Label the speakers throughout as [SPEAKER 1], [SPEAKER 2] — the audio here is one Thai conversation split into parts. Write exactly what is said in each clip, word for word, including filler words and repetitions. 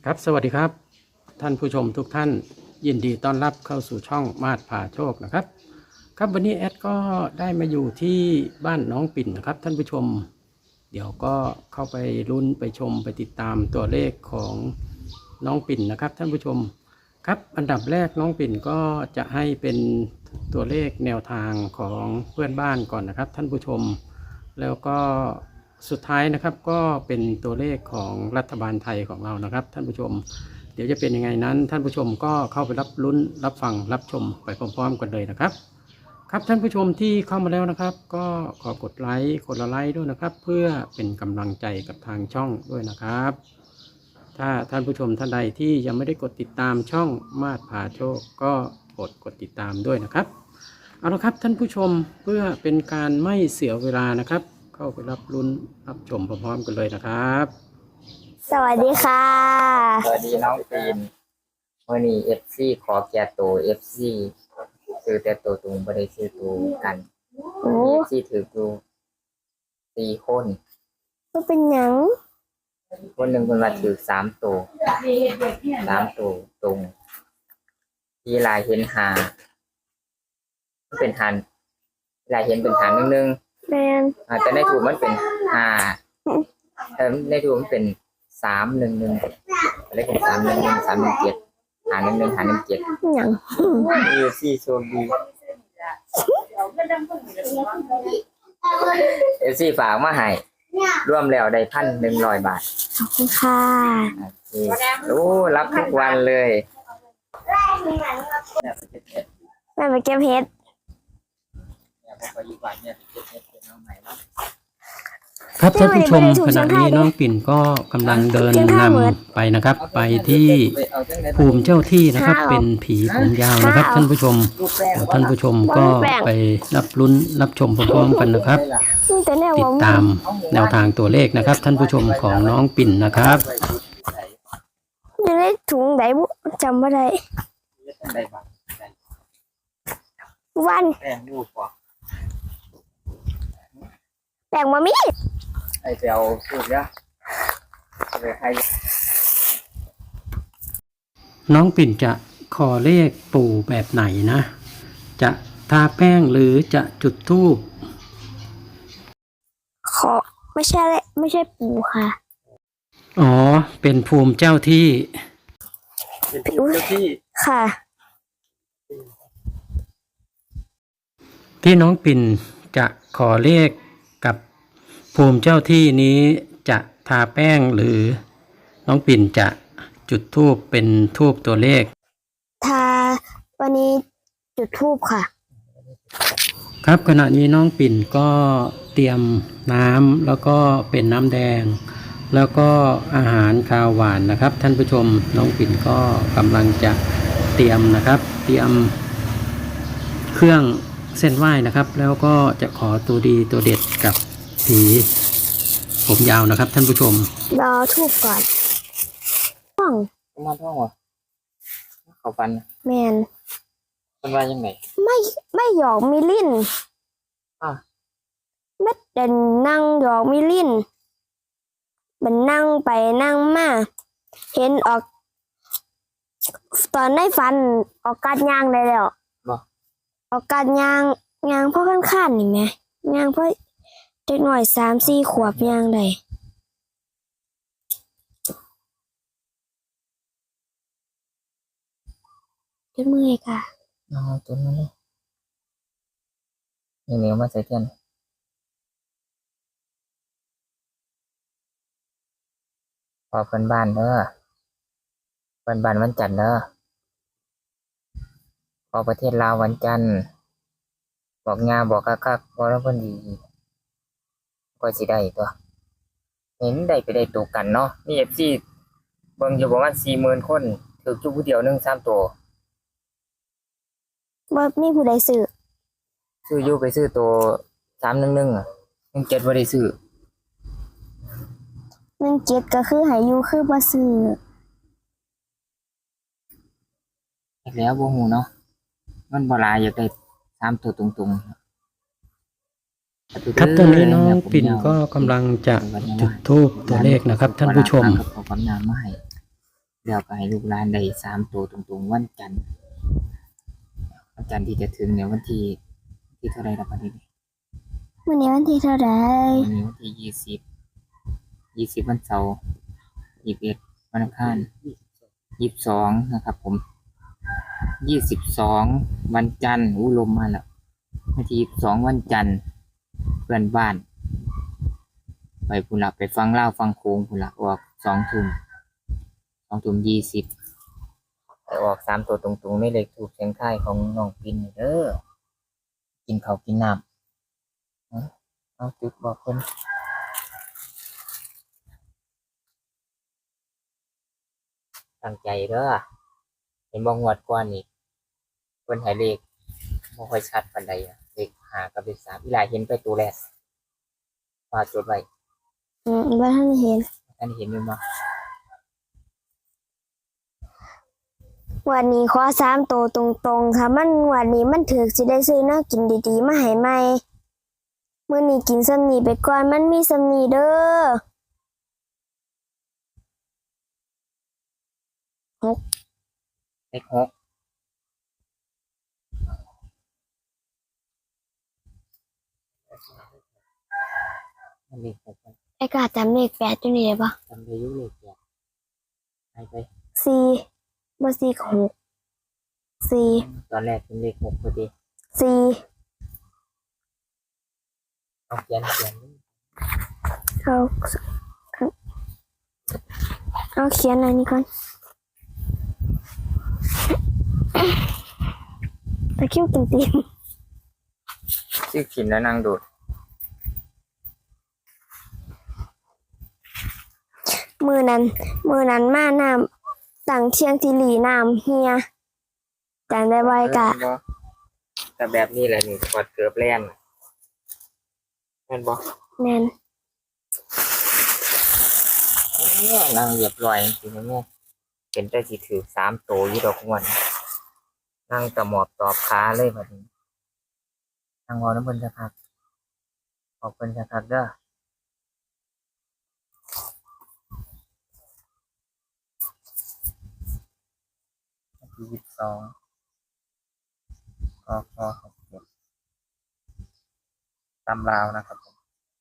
[SPEAKER 1] ครับสวัสดีครับท่านผู้ชมทุกท่านยินดีต้อนรับเข้าสู่ช่องมาดผ่าโชคนะครับครับวันนี้แอดก็ได้มาอยู่ที่บ้านน้องปิ่นนะครับท่านผู้ชมเดี๋ยวก็เข้าไปลุ้นไปชมไปติดตามตัวเลขของน้องปิ่นนะครับท่านผู้ชมครับอันดับแรกน้องปิ่นก็จะให้เป็นตัวเลขแนวทางของเพื่อนบ้านก่อนนะครับท่านผู้ชมแล้วก็สุดท้ายนะครับก็เป็นตัวเลขของรัฐบาลไทยของเรานะครับท่านผู้ชมเดี๋ยวจะเป็นยังไงนั้นท่านผู้ชมก็เข้าไปรับลุ้นรับฟังรับชมไปพร้อมๆกันเลยนะครับครับท่านผู้ชมที่เข้ามาแล้วนะครับก็ขอกดไลค์กดละไลค์ด้วยนะครับเพื่อเป็นกำลังใจกับทางช่องด้วยนะครับถ้าท่านผู้ชมท่านใดที่ยังไม่ได้กดติดตามช่องมาดผ่าโชคก็กดกดติดตามด้วยนะครับเอาละครับท่านผู้ชมเพื่อเป็นการไม่เสียเวลานะครับเข้าไปรับลุ้นรับชมพร้อมๆกันเลยนะครับ
[SPEAKER 2] สวัสดีค่ะ
[SPEAKER 3] สวัสดีน้องปีนวันนี้เอฟซีขอแก่ตัวเอฟซีซื้อแต่ตัวตุงไม่ได้ซื้อตัวกันเอฟซีถือตัวสี่คน
[SPEAKER 2] ก็เป็นหยัง
[SPEAKER 3] คนหนึ่งคนมาถือสามตัวสามตัวตรงที่ลายเห็นหาเป็นหันลายเห็นเป็นหาหนึ่งหนึ่ง
[SPEAKER 2] แมน
[SPEAKER 3] แต่ในถูกมันเป็นหาแต่ในถูกมันเป็นสามหนึ่งหนึ่งอะไรเป็นสามหนึ่งหนึ่งสามหนึ่งเจ็ดหาหนึ่งหนึ่งหาหนึ่งเจ็ด
[SPEAKER 2] หยัง
[SPEAKER 3] เอฟซีโชคดีเอฟซีฝากมาให้ร่วมแล้วได้พันหนึ่งร้อยบาท
[SPEAKER 2] ขอบคุณค่ะ
[SPEAKER 3] โอ้รับทุกวันเลย
[SPEAKER 2] แม่ไปเก็บเห็ด
[SPEAKER 1] ครับท่านผู้ชมขณะนี้น้องปิ่นก็กำลังเดินนำไปนะครับไปที่ภูมิเจ้าที่นะครับเป็นผีผมยาวนะครับท่านผู้ชมท่านผู้ชมก็ไปรับลุ้นรับชมพร้อมๆกันนะครับติดตามแนวทางตัวเลขนะครับท่านผู้ชมของน้องปิ่นนะครับ
[SPEAKER 2] อยู่ในถุงไหนบุจำไม่ได้วันแบ่งมามี
[SPEAKER 3] ไอเจ้าพูดนะ
[SPEAKER 1] น้องปิ่นจะขอเลขปู่แบบไหนนะจะทาแป้งหรือจะจุดธูป
[SPEAKER 2] ขอไม่ใช่ไม่ใช่ปู่ค่ะ
[SPEAKER 1] อ๋อเป็นภูมิเจ้าที่
[SPEAKER 3] เป็นภูมิเจ้าที่
[SPEAKER 2] ค่ะ
[SPEAKER 1] ที่น้องปิ่นจะขอเลขกับภูมิเจ้าที่นี้จะทาแป้งหรือน้องปิ่นจะจุดธูปเป็นธูปตัวเลข
[SPEAKER 2] ทาวันนี้จุดธูปค่ะ
[SPEAKER 1] ครับขณะนี้น้องปิ่นก็เตรียมน้ำแล้วก็เป็นน้ำแดงแล้วก็อาหารคาวหวานนะครับท่านผู้ชมน้องปิ่นก็กำลังจะเตรียมนะครับเตรียมเครื่องเส้นไหว้นะครับแล้วก็จะขอตัวดีตัวเด็ดกับผีผมยาวนะครับท่านผู้ชม
[SPEAKER 2] รอทูบก่อนท่อง
[SPEAKER 3] มาท่องวะเขาฟัน
[SPEAKER 2] แมน
[SPEAKER 3] เป็นว่ายังไง
[SPEAKER 2] ไม่ไม่หยอกมิลิน
[SPEAKER 3] อ่ะ
[SPEAKER 2] เม็ดเดินนั่งหยอกมิลินมันนั่งไปนั่งมาเห็นออกตอนได้ฟันออกการย่างได้แล้วออกการย่างย่างเพราะขั้นขั้นนี่ไหมย่างเพราะเด็กหน่อยสามสี่ขวบย่างได้เจ็บมือค่ะ
[SPEAKER 3] อ๋อตัวนั้นเลยนี่เหนียวมาใส่เทียนพอเพื่อนบ้านเด้อเพื่อนบ้านวันจันทร์เด้อพอประเทศลาววันจันทร์บอกงาบอกคักคักบอกแล้วเพื่อนดีก็สิได้ตัวเห็นได้ไปได้ตัวกันเนาะนี่เอฟซีเบิ่งอยู่ประมาณสี่หมื่นคนถือจุผู้เดียวหนึ่งสามตัว
[SPEAKER 2] บ่มีผู้ใดซื้อ
[SPEAKER 3] ซื้ออยู่ไปซื้อตัวสามหนึ่งหนึ่งอ่ะหนึ่งเจ็ดบ่ได้ซื้อ
[SPEAKER 2] หนึ่งเจ็ดก็คือหายอยู่คือบ่ซื้อ
[SPEAKER 3] แล้วบ่ฮู้เนาะมันบ่หลายอยากได้สามตัวตรงๆ
[SPEAKER 1] ครับตอนนี้น้องปิ่นก็กำลังจะจุดธูปตัวเลขนะครับท่านผู้ชม
[SPEAKER 3] แล้วก็ให้ลูกหลานได้สามตัวตรงๆวันจันทร์วันจันทร์ที่จะถึงเนี่ยวันที่ที่เท่าไหร่ละบัดนี้
[SPEAKER 2] วันนี้วันที่เท่าไหร่
[SPEAKER 3] วันนี้วันที่ยี่สิบยี่สิบวันเสาร์ยี่สิบเอ็ดวันอังคารยี่สิบสองนะครับผมยี่สิบสองวันจันทร์อู้ลมมาแล้ววันที่ยี่สิบสองวันจันทร์เพื่อนบ้าน ไปพุ่นละไปฟังเล่าฟังโค้งพุ่นละออกสองทุ่มสองทุ่มยี่สิบไปออกสามตัวตรงๆไม่เลยถูกเสียงท้ายของน้องปินเด้อกินข้าวกินน้ำเอาเอาจุดบอกเพิ่นตั้งใจเด้อเห็นบ่งวดก่อนนี่เพิ่นให้เลขบ่ค่อยชัดปานใดอะเลขห้ากับเลขสามอีหลายเห็นไปตัวแรกว่าจดไว้
[SPEAKER 2] อืมบ่ทันเห็น
[SPEAKER 3] ท่านเห็นอยู่บ่
[SPEAKER 2] วันนี้ขอสามตัวตรงๆค่ะมันวันนี้มันถือสิได้ซื้อแนวกินดีๆมาให้ใหม่มื้อนี้กินซ้ำนี้ไปก่อนมันมีซ้ำนี้เด้อ
[SPEAKER 3] เลขหกมันเลขหกไป
[SPEAKER 2] ไอ้กาจำเลขแปดอยู่นี่ได้ปะ
[SPEAKER 3] จำได้อยุ่เลขแปดให้ไป
[SPEAKER 2] สี่บ่สี่กับหกสี่
[SPEAKER 3] ตอนแรกเป็นเลขหกพอดี
[SPEAKER 2] สี่
[SPEAKER 3] เอาเขียนเขียน
[SPEAKER 2] เอาเอาเขียนอันนี้ก่อนตะคริวกินตีน
[SPEAKER 3] ชื่อขินแล้วนางโดด
[SPEAKER 2] มือนั้นมือนั้นมาน้ำต่างเชียงทีหลีน้ำเฮียจำได้ไว้กะ
[SPEAKER 3] เออบ่แต่แบบนี้แหละนี่กอดเกือบแล่นแม่นบ่
[SPEAKER 2] แน่น
[SPEAKER 3] เอ้อนางเรียบร้อยจริงๆแม่เป็นได้สิถือสามโตอยู่ดอกงวนนางตะหมอบตอบขาเลยบัดนี้นางวอน้ำเพิ่นสักพักขอบเพิ่นสักพักเด้อ ยี่สิบสองก็ก็หกเจ็ดตำราวนะครับผม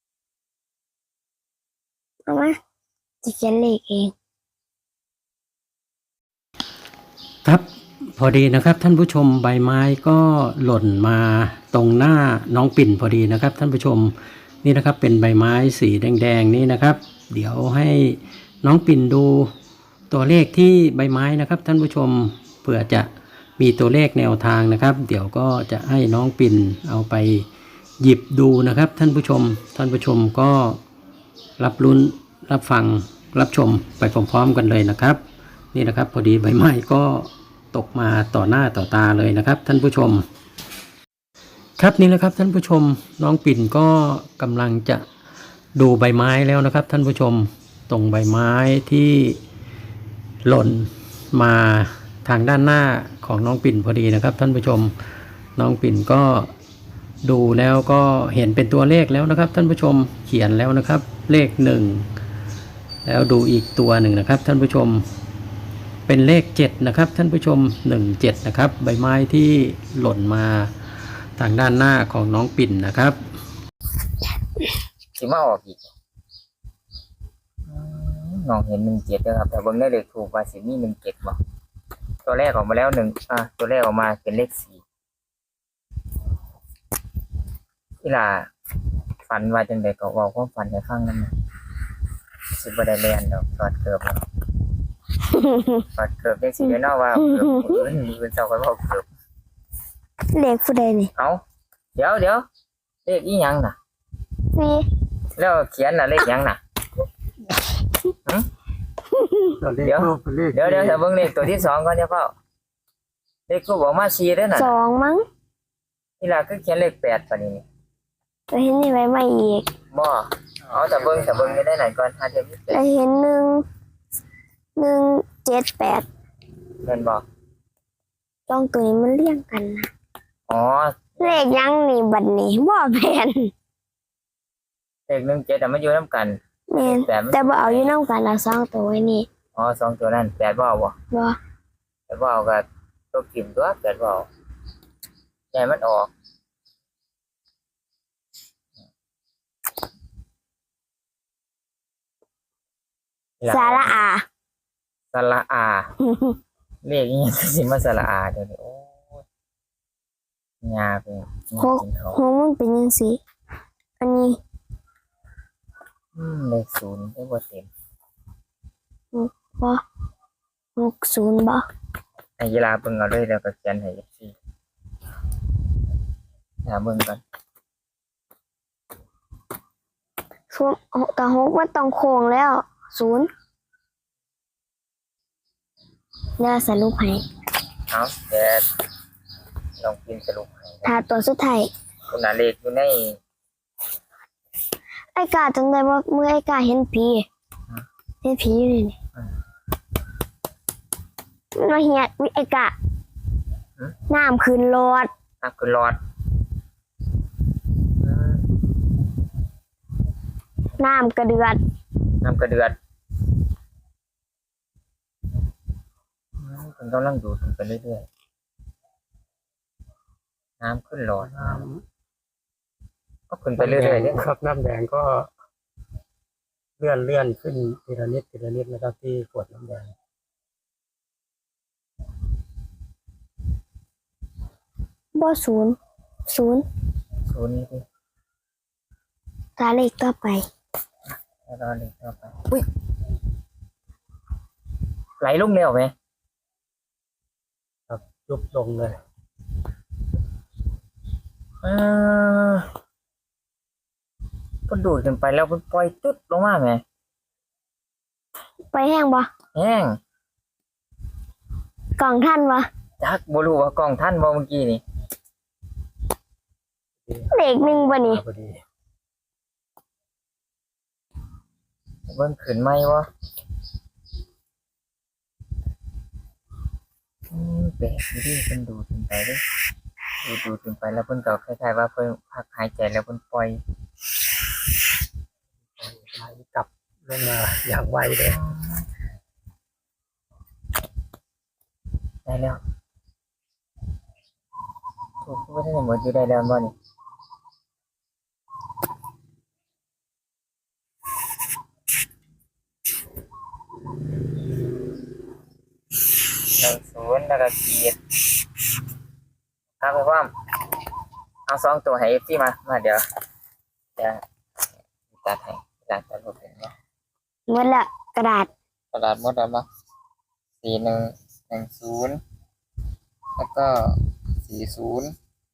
[SPEAKER 2] เอามาจะเขียนเลขเอง
[SPEAKER 1] ครับพอดีนะครับท่านผู้ชมใบไม้ก็หล่นมาตรงหน้าน้องปิ่นพอดีนะครับท่านผู้ชมนี่นะครับเป็นใบไม้สีแดงๆนี่นะครับ เดี๋ยวให้น้องปิ่นดูตัวเลขที่ใบไม้นะครับท่านผู้ชมเผื่อจะมีตัวเลขแนวทางนะครับ เดี๋ยวก็จะให้น้องปิ่นเอาไปหยิบดูนะครับท่านผู้ชมท่านผู้ชมก็รับลุ้นรับฟังรับชมไปพร้อมๆกันเลยนะครับนี่นะครับพอดีใบไม้ก็ตกมาต่อหน้าต่อตาเลยนะครับท่านผู้ชมครับนี่แหละครับท่านผู้ชมน้องปิ่นก็กำลังจะดูใบไม้แล้วนะครับท่านผู้ชมตรงใบไม้ที่หล่นมาทางด้านหน้าของน้องปิ่นพอดีนะครับท่านผู้ชมน้องปิ่นก็ดูแล้วก็เห็นเป็นตัวเลขแล้วนะครับท่านผู้ชมเขียนแล้วนะครับเลขหนึ่งแล้วดูอีกตัวหนึ่งนะครับท่านผู้ชมเป็นเลขเจ็ดนะครับท่านผู้ชมหนึ่งเจ็ดนะครับใบไม้ที่หล่นมาทางด้านหน้าของน้องปิ่นนะครับ
[SPEAKER 3] สิมาออกอีกอืมน้องเห็นหนึ่งเจ็ดนะครับแต่เบิ่งได้เลขถูกว่าสิมีหนึ่งเจ็ดบ่ตัวแรกออกมาแล้วหนึ่งอ่ะตัวแรกออกมาเป็นเลขสี่ที่ล่ะฝันว่าจังไดก็เว้าความฝันให้ฟังนำนะสิบ่ได้เรียนดอกถอดเกือบแล้วถอดเกือบได้สิได้เนาะว่าเกือบมื้ออื่นมื้ออื่นเช้าก็เว้าเกือบ
[SPEAKER 2] เลขผู้ใดนี่
[SPEAKER 3] เอาเดี๋ยวเดี๋ยวเลขอีหยังน่ะ
[SPEAKER 2] สี่
[SPEAKER 3] แล้วเขียนน่ะเลขหยังน่ะ เดี๋ยวเดี๋ยวเดี๋ยวจะเบิ่งเลขตัวที่สองก่อนเดี๋ยวก็เลขกูบอกมาสี่เด้อน่ะ
[SPEAKER 2] สองมั้ง
[SPEAKER 3] นี่ล่ะคือเขียนเลขแปดปานนี้นี่
[SPEAKER 2] จะเห็นนี่ไว้ไม่อีก
[SPEAKER 3] บ่เอาแต่เบิ่งแต่เบิ่งได้ได้ไหนก่อนหาเดี๋ยวมีเป็
[SPEAKER 2] จะ
[SPEAKER 3] ด
[SPEAKER 2] เห็นหนึ่งหนึ่งเจ็ดแปด
[SPEAKER 3] เพิ่นบ่
[SPEAKER 2] จ้องตัวนี้มันเรียงกันนะ
[SPEAKER 3] อ๋อ
[SPEAKER 2] เลขยังนี่บัดนี้บ่แม่น
[SPEAKER 3] เลขหนึ่งเจ็ดแต่มันอยู่นํกัน
[SPEAKER 2] แม่น
[SPEAKER 3] แต่มัน
[SPEAKER 2] แต่บ่เอาอยู่นำกันละสองตัวไว้นี่
[SPEAKER 3] อ๋ออ๋อสองตัวนั้นแปดบ่เอาบ่
[SPEAKER 2] บ่
[SPEAKER 3] แปดบ่เอาก็ตกทิ่มตัวแปดบ่เอาใจมันออก
[SPEAKER 2] สาระอา
[SPEAKER 3] สระอาเลขนี้สิมาสระอาเดี๋ยวนี้โอ้ยยาเป็นยา
[SPEAKER 2] หก
[SPEAKER 3] เป็นเขา
[SPEAKER 2] หกมันเป็นยังสิอันนี้
[SPEAKER 3] อืมเลขศูนย์ได้บ่เต็ม
[SPEAKER 2] บ่หกศูนย์บ่
[SPEAKER 3] ให้ยีราเบิ่งเอาเลยแล้วก็เขียนให้ เอฟ ซี อย่าเบิ่งก่อน
[SPEAKER 2] ศูนย์กับหกมันต้องโค้งแล้วศูนย์เดี๋ยวสรุปให้
[SPEAKER 3] เอาแต่ลองพิมพ์สรุปให้นะ
[SPEAKER 2] ถ้าตัวสุดท้าย
[SPEAKER 3] คุณน่ะเลขอยู่ใน
[SPEAKER 2] ไอ้กาจังได๋ว่าเมื่อไอ้กาเห็นผีเห็นผีอยู่นี่นี่มันมาเฮียวิไอ้กาน้ำขึ้นรถ
[SPEAKER 3] อ่ะคือหลอดอืม
[SPEAKER 2] น้ำกระเดือด
[SPEAKER 3] น้ำกระเดือดอืมคุณต้องนั่งดูดมันไปเรื่อยๆน้ำขึ้นหลอดก็ขึ้นไปเรื่อยๆเนี่ย
[SPEAKER 1] ครับน้ำแดงก็เลื่อนเลื่อนขึ้นทีละนิดทีละนิดนะครับที่ขวดน้ำแดง
[SPEAKER 2] บ่ศูนย์ศูนย์
[SPEAKER 3] ศูนย์นี่ดิ
[SPEAKER 2] ตาเลขต่อไป
[SPEAKER 3] แล้วรอเลขต่อไปอุ้ยไหลลงเร็วไหม
[SPEAKER 1] ครับยุบลงเลย
[SPEAKER 3] เออก็ดูดขึ้นไปแล้วมันปล่อยตุ๊ดลงมาไหม
[SPEAKER 2] ไปแห้งบ่
[SPEAKER 3] แห้ง
[SPEAKER 2] กล่องท่านบ่
[SPEAKER 3] จักบ่รู้ว่ากล้องท่านบ่เมื่อกี้นี่
[SPEAKER 2] เลขหนึ่งบ่นี่
[SPEAKER 1] พอดี
[SPEAKER 3] เบิ่งขึ้นไหมวะอืมแปลกอยู่ดิเพิ่นดูดขึ้นไปเด้ดูดดูดขึ้นไปแล้วเพิ่นก็คล้ายๆว่าเพิ่นพักหายใจแล้วเพิ่นปล่อย
[SPEAKER 1] ไหลกลับลงมาอย่างไวเลย
[SPEAKER 3] ได้แล้วถูกพูดได้หมดอยู่ได้แล้วบ่นี่หนึ่งศูนย์แล้วก็ขีดครับพี่ป้อมเอาสองตัวให้ เอฟ ซี มา มาเดี๋ยวจะตัดให้ตัดตัดรูปเห็นไหม
[SPEAKER 2] หมดละกระดาษ
[SPEAKER 3] กระดาษหมดแล้วมั้ยสี่หนึ่งหนึ่งศูนย์แล้วก็สี่ศูนย์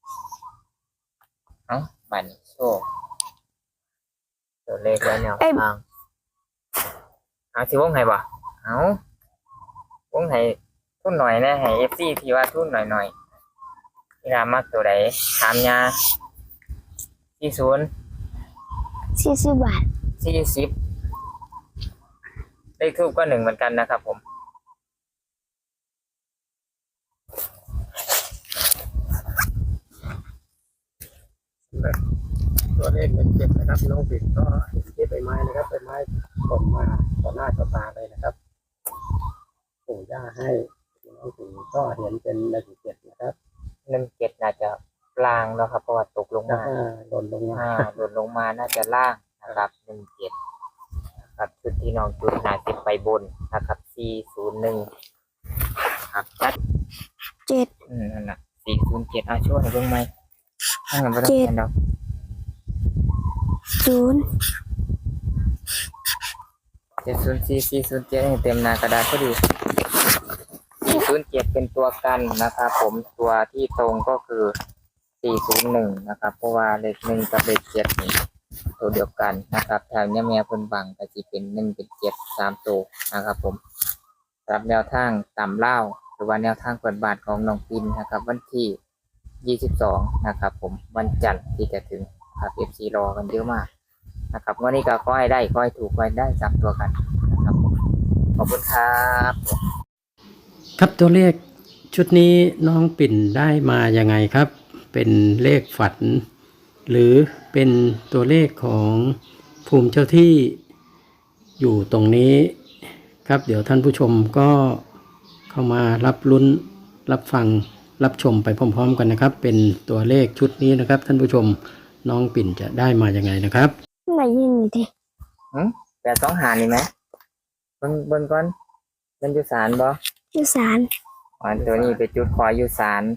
[SPEAKER 3] เอ้าบันโชคตัวเลขแล้วแนวทางเอาสิวงให้บ่เอาวงให้ทุนหน่อยนะให้ เอฟ ซี ที่ว่าทุนหน่อยหน่อยที่รามักตัวใดถามยาสี่ศูนย์
[SPEAKER 2] สี่สิบบาท
[SPEAKER 3] สี่สิบเลขทูปก็หนึ่งเหมือนกันนะครับผม
[SPEAKER 1] ตัวเลขเป็นเจ็ดนะครับน้องปิดก็เห็นที่ใบไม้นะครับใบไม้หล่นมาต่อหน้าต่อตาเลยนะครับปู่ย่าให้น้องปิดก็เห็นเป็นเลขเจ็ดนะครับ
[SPEAKER 3] หนึ่งเจ็ดน่าจะล่างแล้วครับเพราะว่าตกลง
[SPEAKER 1] แล้ว
[SPEAKER 3] มา
[SPEAKER 1] ก็หล่นลงมา
[SPEAKER 3] อ่าหล่นลงมาน่าจะล่างนะครับหนึ่งเจ็ดนะครับชุดที่น้องจุดน่าจะไปบนนะครับสี่ศูนย์หนึ่งครับจัด
[SPEAKER 2] เจ็ด
[SPEAKER 3] อืมนั่นแหละสี่ศูนย์เจ็ดอ่ะช่วยให้เบิ่งไหมถ้างั้นไม่ต้อง
[SPEAKER 2] เจ็ด
[SPEAKER 3] เขียนดอก
[SPEAKER 2] ศูนย์
[SPEAKER 3] เจ็ดศูนย์สี่สี่ศูนย์เจ็ดให้เต็มหน้ากระดาษก็ดีสี่ศูนย์เจ็ดเป็นตัวกันนะครับผมตัวที่ตรงก็คือสี่ศูนย์หนึ่งนะครับเพราะว่าเลขหนึ่งกับเลขเจ็ดนี่ตัวเดียวกันนะครับแถวนี้แม่เพิ่นบังก็จะเป็นหนึ่งเป็นเจ็ดสามตัวนะครับผมสำหรับแนวทางตามเล่าหรือว่าแนวทางเปิดบาทของน้องปินนะครับวันที่ยี่สิบสองนะครับผมวันจันทร์ที่จะถึงครับ เอฟ ซี รอกันเยอะมากนะครับวันนี้ก็ขอให้ได้ขอให้ถูกขอให้ได้สามตัวกันนะครับผมขอบคุณครับ
[SPEAKER 1] ครับตัวเลขชุดนี้น้องปิ่นได้มายังไงครับ เป็นเลขฝัน หรือเป็นตัวเลขของภูมิเจ้าที่อยู่ตรงนี้ครับเดี๋ยวท่านผู้ชมก็เข้ามารับลุ้นรับฟังรับชมไปพร้อมๆกันนะครับ เป็นตัวเลขชุดนี้นะครับ ท่านผู้ชมน้องปิ่นจะได้มาอย่างไงนะครับ
[SPEAKER 2] ไหนยินดิ
[SPEAKER 3] หืมแปดสองหานี่ไหมเบิ่งเบิ่งก่อนมันอยู่ศาลบ่
[SPEAKER 2] อยู่ศาล
[SPEAKER 3] อ๋อตัวนี้ไปจุดขออยู่ศาล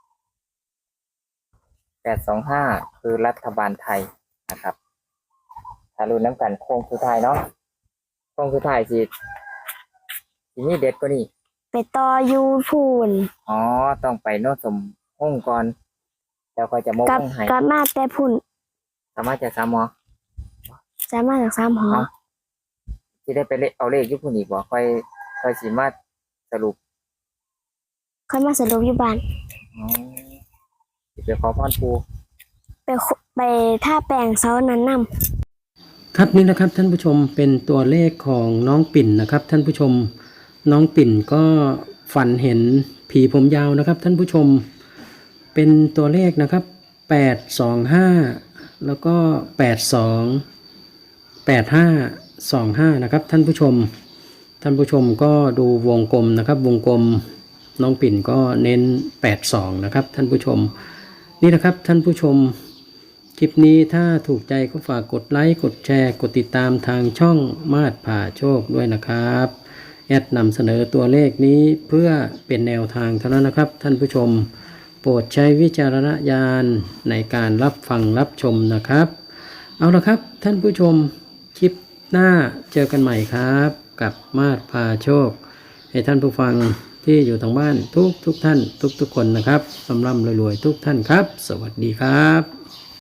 [SPEAKER 3] แปดสองห้าคือรัฐบาลไทยนะครับถ้ารู้น้ำกันโค้งสุดท้ายเนาะโค้งสุดท้ายสิสิมีเด็ดกว่านี้
[SPEAKER 2] ไปต่ออยู่พูน
[SPEAKER 3] อ๋อต้องไปโนดสมห้องก่อนแล้วก็จะมก
[SPEAKER 2] กลับ
[SPEAKER 3] ห้องให้
[SPEAKER 2] กลับมาแต่พุ่น
[SPEAKER 3] สามารถจะซ้ำหมอ
[SPEAKER 2] สามารถจากสามหอ
[SPEAKER 3] ที่ได้ไปเลขเอาเลขอยุพุ่นอีกบ่ค่อยค่อยสิมาสรุป
[SPEAKER 2] ค่อยมาสรุปอยู่บ้าน
[SPEAKER 3] อ๋อสิไปขอพรปู
[SPEAKER 2] ไปคุไปท่าแปลงเสานั้นนำ
[SPEAKER 1] ครับนี่นะครับท่านผู้ชมเป็นตัวเลขของน้องปิ่นนะครับ ท่านผู้ชมน้องปิ่นก็ฝันเห็นผีผมยาวนะครับ ท่านผู้ชมเป็นตัวเลขนะครับแปดสองห้าแล้วก็แปดสองแปดห้าสองห้านะครับท่านผู้ชมท่านผู้ชมก็ดูวงกลมนะครับ วงกลมน้องปิ่นก็เน้นแปดสองนะครับท่านผู้ชมนี่นะครับท่านผู้ชมคลิปนี้ถ้าถูกใจก็ฝากกดไลค์กดแชร์กดติดตามทางช่องมาดผ่าโชคด้วยนะครับแอดนำเสนอตัวเลขนี้เพื่อเป็นแนวทางเท่านั้นนะครับท่านผู้ชมโปรดใช้วิจารณญาณในการรับฟังรับชมนะครับเอาละครับท่านผู้ชมคลิปหน้าเจอกันใหม่ครับกับมาดผ่าโชคให้ท่านผู้ฟังที่อยู่ทางบ้านทุกทุกท่านทุกทุกคนนะครับสำร่ำรวยๆทุกท่านครับสวัสดีครับ